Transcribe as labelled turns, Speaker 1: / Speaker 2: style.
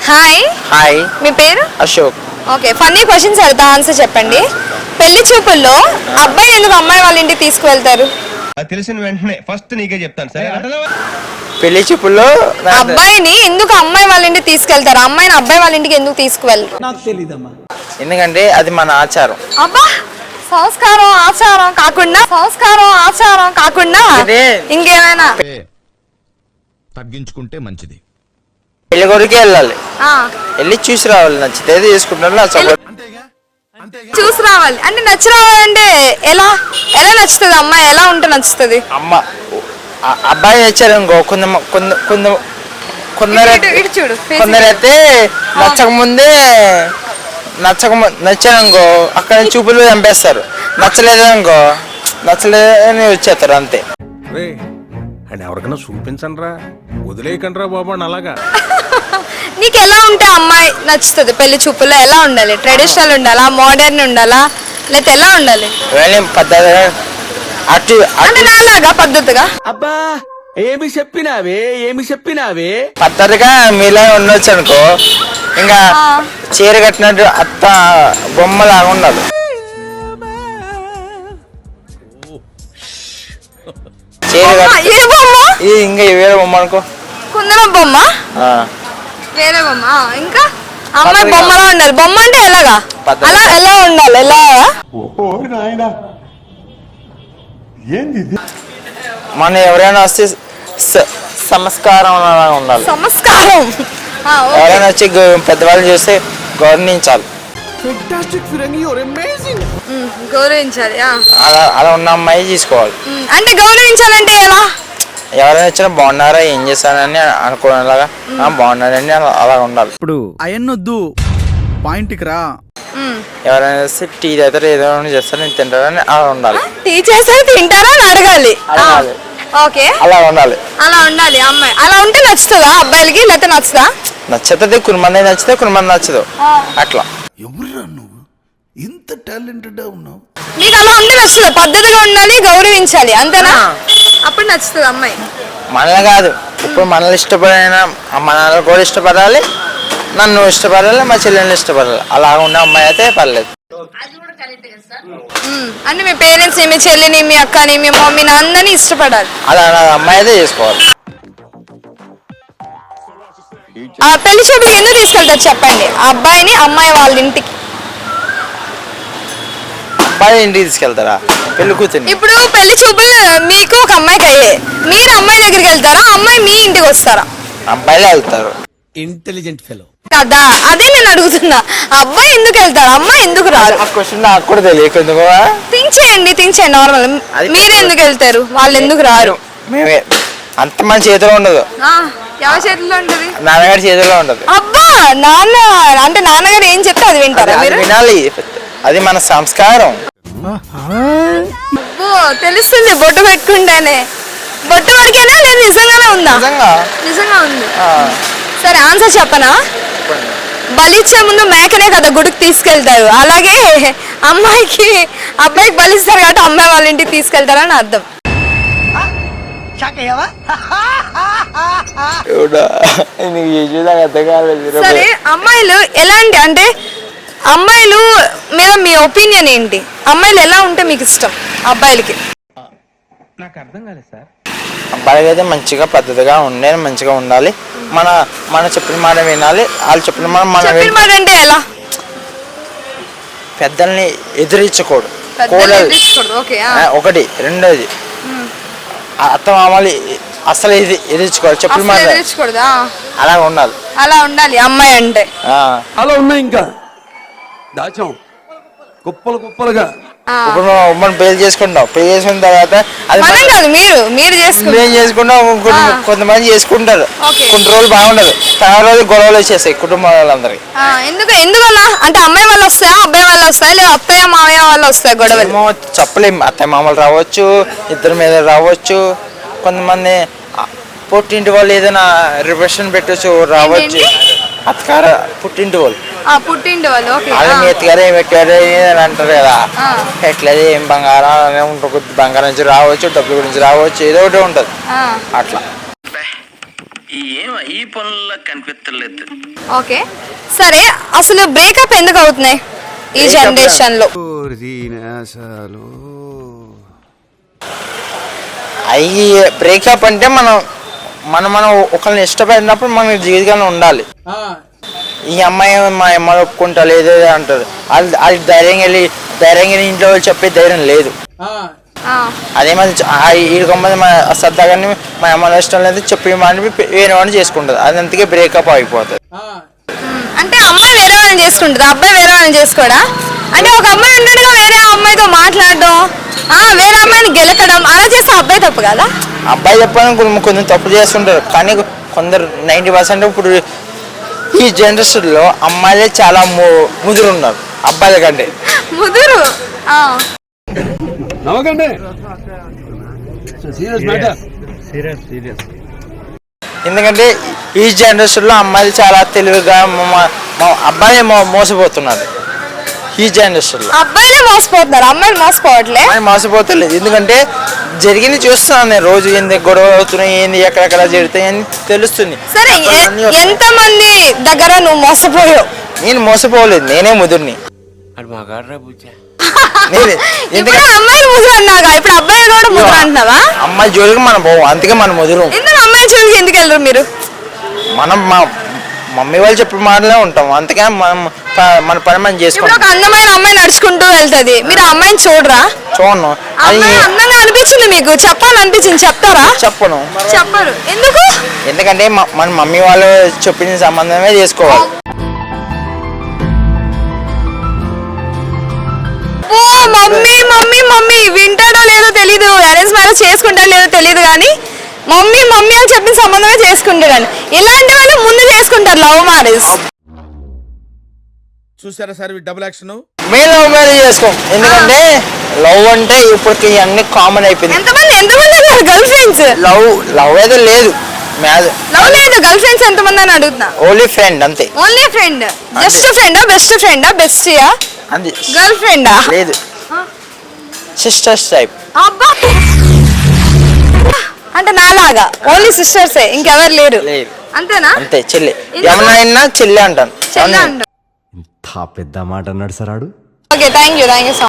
Speaker 1: Hi.
Speaker 2: Hi.
Speaker 1: మీ పేరు?
Speaker 2: Ashok.
Speaker 1: Okay, funny questions అడుగుతా, ఆన్సర్ చెప్పండి. పెళ్లి చూపుల్లో అబ్బాయి ఎందుకు అమ్మాయి వాళ్ళ ఇంటికి తీసుకువెళ్తారు?
Speaker 3: తెలిసిన వెంటనే ఫస్ట్ నీకే చెప్తాను సరే.
Speaker 2: పెళ్లి చూపుల్లో
Speaker 1: అబ్బాయిని ఎందుకు అమ్మాయి వాళ్ళ ఇంటికి తీసుకెళ్తారు, అమ్మాయిని అబ్బాయి వాళ్ళ ఇంటికి ఎందుకు తీసుకువెళ్ళరు?
Speaker 4: నాకు తెలీదమ్మా.
Speaker 2: ఎందుకంటే అది మన ఆచారం.
Speaker 1: అబ్బా, సంస్కారం ఆచారం కాకుండా ఇంకేమైనా?
Speaker 5: తగ్గించుకుంటే మంచిది.
Speaker 2: పెళ్లి కొడుకే వెళ్ళాలి,
Speaker 1: ఆ,
Speaker 2: వెళ్ళి చూసి రావాలి, నచ్చితే తీసుకుంటారు.
Speaker 1: చూసి రావాలి అంటే నచ్చి రావాలంటే ఎలా ఎలా నచ్చుతుంది? అమ్మాయి ఎలా ఉంటే నచ్చుతుంది?
Speaker 2: అబ్బాయి నచ్చారు ఇంకో
Speaker 1: ఇటు చూడు,
Speaker 2: కొందరైతే నచ్చారనుకో అక్కడ చూపులు చంపేస్తారు, నచ్చలేదని వచ్చేస్తారు అంతే.
Speaker 6: అని ఎవరికైనా చూపించండి రా, వదిలేయకండి రా బాబు అని అలాగా.
Speaker 1: నీకు ఎలా ఉంటే అమ్మాయి నచ్చుతుంది? పెళ్లి చూపుల్లో ఎలా ఉండాలి? ట్రెడిషనల్ ఉండాలా, మోడర్న్ ఉండాలా, లేకపోతే ఎలా ఉండాలి?
Speaker 2: పద్ధతిగా
Speaker 1: అంటే నాలాగా పద్ధతిగా?
Speaker 4: అబ్బా ఏమి చెప్పినావే
Speaker 2: పద్ధతిగా మీలా ఉండొచ్చు అనుకో, ఇంకా చీర కట్టినట్టు అత్త బొమ్మలాగా ఉండాలి.
Speaker 1: ఏ బొమ్మ?
Speaker 2: ఇంకా వేరే బొమ్మ అనుకో,
Speaker 1: కుందరం బొమ్మ, వేరే బొమ్మ. ఇంకా అమ్మాయి బొమ్మలా ఉండాలి. బొమ్మ అంటే ఎలాగా? అలా ఎలా ఉండాలి? ఎలా?
Speaker 2: మన ఎవరైనా వస్తే సంస్కారం ఉండాలి.
Speaker 1: సంస్కారం
Speaker 2: ఎవరైనా వచ్చి పెద్దవాళ్ళు చూస్తే గౌరవించాలి.
Speaker 1: గౌరవించాలి.
Speaker 2: అలా ఉన్న అమ్మాయి తీసుకోవాలి.
Speaker 1: అంటే గౌరవించాలంటే ఎలా?
Speaker 2: ఎవరైనా వచ్చినా బాగున్నారా, ఏం చేస్తానని అనుకునేలాగా బాగున్నారని అలా ఉండాలి.
Speaker 7: ఇప్పుడు అయన్నొద్దు, పాయింట్కి రా.
Speaker 2: ఎవరైనా వస్తే టీ తాగుతారు, ఏదో చేస్తారు, నేను తింటారని అలా ఉండాలి.
Speaker 1: టీ చేస్తే తింటారా అని అడగాలి. ఓకే,
Speaker 2: అలా ఉండాలి.
Speaker 1: అలా ఉండాలి అమ్మాయి. అలా ఉంటే నచ్చుతుందా అబ్బాయిలకి, లేకపోతే నచ్చుదా?
Speaker 2: నచ్చుతుంది, కొన్ని నచ్చితే కొన్ని నచ్చదు, అట్లా.
Speaker 5: ఎవరురా నువ్వు ఇంత టాలెంటెడ్ ఉన్నావు?
Speaker 1: నీకు అలా ఉంటే నచ్చుతుంది. పద్ధతిగా ఉండాలి, గౌరవించాలి, అంతేనా? అప్పుడు నచ్చుతుంది అమ్మాయి.
Speaker 2: మనల్ని కాదు, ఇప్పుడు మనల్ని ఇష్టపడిన మనల్ని కూడా ఇష్టపడాలి, నన్ను ఇష్టపడాలి, మా చెల్లెల్ని ఇష్టపడాలి. అలా ఉన్న అమ్మాయి అయితే పర్లేదు.
Speaker 1: అంటే మీ పేరెంట్స్, మీ చెల్లిని, మీ అక్కని, మీ మమ్మీని అందరినీ ఇష్టపడాలి.
Speaker 2: అలా అమ్మాయి అయితే చేసుకోవాలి.
Speaker 1: పెళ్లి చూపులకు ఎందుకు తీసుకెళ్తారు చెప్పండి? అబ్బాయిని అమ్మాయి వాళ్ళ ఇంటికి.
Speaker 2: అబ్బాయి ఇంటికి తీసుకెళ్తారా? పెళ్లి కూతుర్ని.
Speaker 1: ఇప్పుడు పెళ్లి చూపులు మీకు ఒక అమ్మాయికి అయ్యే, మీరు అమ్మాయి దగ్గరికి వెళ్తారా, అమ్మాయి మీ ఇంటికి వస్తారా?
Speaker 2: అబ్బాయిలే వెళ్తారు.
Speaker 4: ఇంటెలిజెంట్ ఫెలో
Speaker 1: కదా, అదే నేను అడుగుతున్నా. అబ్బాయి ఎందుకు వెళ్తారు, అమ్మాయి ఎందుకు రారు?
Speaker 2: ఆ క్వశ్చన్ నాకు కూడా తెలియదు.
Speaker 1: థింక్ చేయండి నార్మల్. మీరు ఎందుకు వెళ్తారు, వాళ్ళు ఎందుకు రారు?
Speaker 2: మేమే అంత మన చేతిలో ఉండదు.
Speaker 1: ఎవరి చేతిలో ఉంటది?
Speaker 2: నాన్నగారి చేతిలో ఉండదు.
Speaker 1: అబ్బా, నాన్న అంటే నాన్నగారు ఏం చెప్తే అది వింటారా మీరు?
Speaker 2: వినాలి, అది మన సంస్కారం.
Speaker 1: అబ్బో, తెలుస్తుంది బొట్టు పెట్టుకుంటానే. బొట్టు వరకేనా లేదు నిజంగానే ఉందా? నిజంగా ఉంది. సరే, ఆన్సర్ చెప్పనా? బలిచ్చే ముందు మేకనే కదా గుడికి తీసుకెళ్తారు, అలాగే అమ్మాయికి అబ్బాయికి బలిస్తారు కాబట్టి అమ్మాయి వాళ్ళ ఇంటికి తీసుకెళ్తారని అర్థం. సరే, అమ్మాయిలు ఎలాంటి, అంటే అమ్మాయిలు మీద మీ ఒపీనియన్ ఏంటి? అమ్మాయిలు ఎలా ఉంటే మీకు ఇష్టం అబ్బాయిలకి?
Speaker 4: నాకు అర్థం కాలేదు సార్.
Speaker 2: అబ్బాయికి అయితే మంచిగా పద్ధతిగా మంచిగా ఉండాలి. మన చెప్పిన మాట వినాలి, వాళ్ళు చెప్పిన మాట
Speaker 1: అంటే ఎలా?
Speaker 2: పెద్దల్ని ఎదిరించకూడదు. ఒకటి. రెండోది, అత్త మామూలు అసలు ఎదిరించుకోవాలి, చెప్పిన మాట
Speaker 1: ఎదిరించకూడదా?
Speaker 2: అలా ఉండాలి.
Speaker 1: అలా ఉండాలి అమ్మాయి అంటే.
Speaker 4: అలా ఉన్నాయి ఇంకా దాచాం కుప్పలుగా.
Speaker 2: ఇప్పుడు మనం పెళ్లి చేసుకుంటాం, పెళ్లి చేసుకున్న తర్వాత అది
Speaker 1: మీరు
Speaker 2: చేసుకుంటాం, కొంతమంది చేసుకుంటారు, కొన్ని రోజులు బాగుండదు, తర్వాత రోజు గొడవలు వచ్చేస్తాయి కుటుంబం వాళ్ళందరికి.
Speaker 1: ఎందుకన్నా? అంటే అమ్మాయి వాళ్ళు వస్తాయా, అబ్బాయి వాళ్ళు వస్తాయా, లేదా అత్తయ్య మామయ్య వాళ్ళు వస్తాయి గొడవలు?
Speaker 2: చెప్పలేము, అత్తయ్య మామలు రావచ్చు, ఇద్దరి మీద రావచ్చు, కొంతమంది పుట్టింటి వాళ్ళు ఏదైనా రిప్రెషన్ పెట్టచ్చు, రావచ్చు. అత్తగారు పుట్టింటి వాళ్ళు వాళ్ళ ఎత్తుగారు ఏం పెట్టారు అని అంటారు కదా, ఎట్లది ఏం బంగారం ఉంటుంది, బంగారం నుంచి రావచ్చు, డబ్బుల గురించి రావచ్చు, ఏదో ఒకటి ఉంటది అట్లా.
Speaker 8: ఈ పనుల్లో కనిపించలేదు.
Speaker 1: ఓకే సరే, అసలు బ్రేకప్ ఎందుకు అవుతున్నాయి ఈ జనరేషన్ లో?
Speaker 2: అయ్యి బ్రేకప్ అంటే మనం ఒకరిని ఇష్టపడినప్పుడు మన జీవితంలో ఉండాలి. ఈ అమ్మాయి మా అమ్మాయి ఒప్పుకుంటా లేదు అంటారు, అది ధైర్యంగా ఇంట్లో వాళ్ళు చెప్పే ధైర్యం లేదు. అదే మరి ఈ మా సరదాగానే మా అమ్మాయి ఇష్టం లేదు చెప్పి మాని వేరే వాడిని చేసుకుంటుంది, అది అందుకే బ్రేకప్ అయిపోతుంది.
Speaker 1: అంటే అమ్మాయి వేరే వాళ్ళని చేసుకుంటుంది, అబ్బాయి వేరే వాళ్ళని చేసుకోడా? అంటే ఒక అమ్మాయి ఉండడుగా వేరే అమ్మాయితో మాట్లాడడం, వేరే అమ్మాయిని గెలకడం, అలా చేస్తే అబ్బాయి తప్పు కదా?
Speaker 2: అబ్బాయి చెప్పడానికి కొంచెం తప్పు చేస్తుంటారు, కానీ కొందరు 90% ఇప్పుడు ఈ జనరేషన్లో అమ్మాయిలే చాలా ముదురు ఉన్నారు అబ్బాయిల కంటే.
Speaker 1: ముదురు
Speaker 4: నమ్మకండి.
Speaker 2: ఎందుకంటే ఈ జనరేషన్లో అమ్మాయిలు చాలా తెలివిగా అబ్బాయి మోసపోతున్నారు. ఈ జనరేషన్లో
Speaker 1: అబ్బాయిలే మోసపోతున్నారు, అమ్మాయిలు మోసపోవట్లే.
Speaker 2: అమ్మాయి మోసపోతలేదు, ఎందుకంటే జరిగింది చూస్తున్నాను నేను, రోజు ఏంది గొడవ అవుతున్నాయి, ఏంది ఎక్కడెక్కడ జరుగుతాయి అని తెలుస్తుంది.
Speaker 1: సరే, ఎంత మంది దగ్గర నువ్వు మోసపోయావు?
Speaker 2: నేను మోసపోలేదు, నేనే ముదురుని.
Speaker 1: ఇప్పుడు అమ్మాయిలు ముదురు అన్నాగా, ఇప్పుడు అబ్బాయిలు కూడా ముదురు అంటున్నావా?
Speaker 2: అమ్మాయి జోలికి మనం పోవు, అందుకే మనం ముదురు.
Speaker 1: ఎందుకు అమ్మాయి జోలికి ఎందుకు వెళ్ళరు మీరు?
Speaker 2: మనం మా మమ్మీ వాళ్ళు చెప్పిన మాటలే ఉంటాం, అందుకే మన పని మనం చేసుకుంటాం.
Speaker 1: ఒక అందమైన అమ్మాయి నడుచుకుంటూ వెళ్తది, మీరు ఆ అమ్మాయిని చూడరా?
Speaker 2: చూడను.
Speaker 1: అందంగా అనిపించింది మీకు, చెప్పాలనిపించింది, చెప్తారా?
Speaker 2: చెప్పను.
Speaker 1: చెప్పరు ఎందుకు?
Speaker 2: ఎందుకంటే మన మమ్మీ వాళ్ళు చెప్పిన సంబంధమే చేసుకోవాలి.
Speaker 1: ఓ మమ్మీ మమ్మీ మమ్మీ వింటాడో లేదో తెలీదు, అరేంజ్ మ్యారేజ్ చేసుకుంటాడో లేదో తెలీదు, కానీ మమ్మీ మమ్మీ అని చెప్పిన సంబంధమే చేసుకుంటాడు. ఇలాంటి వాళ్ళు ముందు చేసుకుంటారు లవ్ మ్యారేజ్.
Speaker 3: చూసారా సార్ డబుల్ యాక్షన్.
Speaker 2: మేము లవ్ మ్యారేజ్ చేసుకోం, ఎందుకంటే లవ్ అంటే ఇప్పటికి అన్ని కామన్ అయిపోయింది.
Speaker 1: ఎంతమంది ఉన్నారు గర్ల్ ఫ్రెండ్స్?
Speaker 2: లవ్ అయితే లేదు,
Speaker 1: లవ్ లేదు, గర్ల్ ఫ్రెండ్స్ ఎంతమంది అని అడుగుతున్నా.
Speaker 2: ఓన్లీ ఫ్రెండ్ అంతే.
Speaker 1: ఓన్లీ ఫ్రెండ్, జస్ట్ ఫ్రెండా, బెస్ట్ ఫ్రెండా, బెస్టియా,
Speaker 2: అంతే.
Speaker 1: గర్ల్ ఫ్రెండా?
Speaker 2: లేదు, సిస్టర్స్ టైప్.
Speaker 1: అబ్బా, అంటే నాలాగా ఓన్లీ సిస్టర్సే, ఇంకెవరు లేరు? అంతేనా?
Speaker 2: అంతే, చెల్లి. ఎవరైనా చెల్లి అంటాను.
Speaker 1: చెల్లి అంటాం.
Speaker 9: పెద్ద మాట అన్నాడు సరాడు.
Speaker 1: Okay, thank you so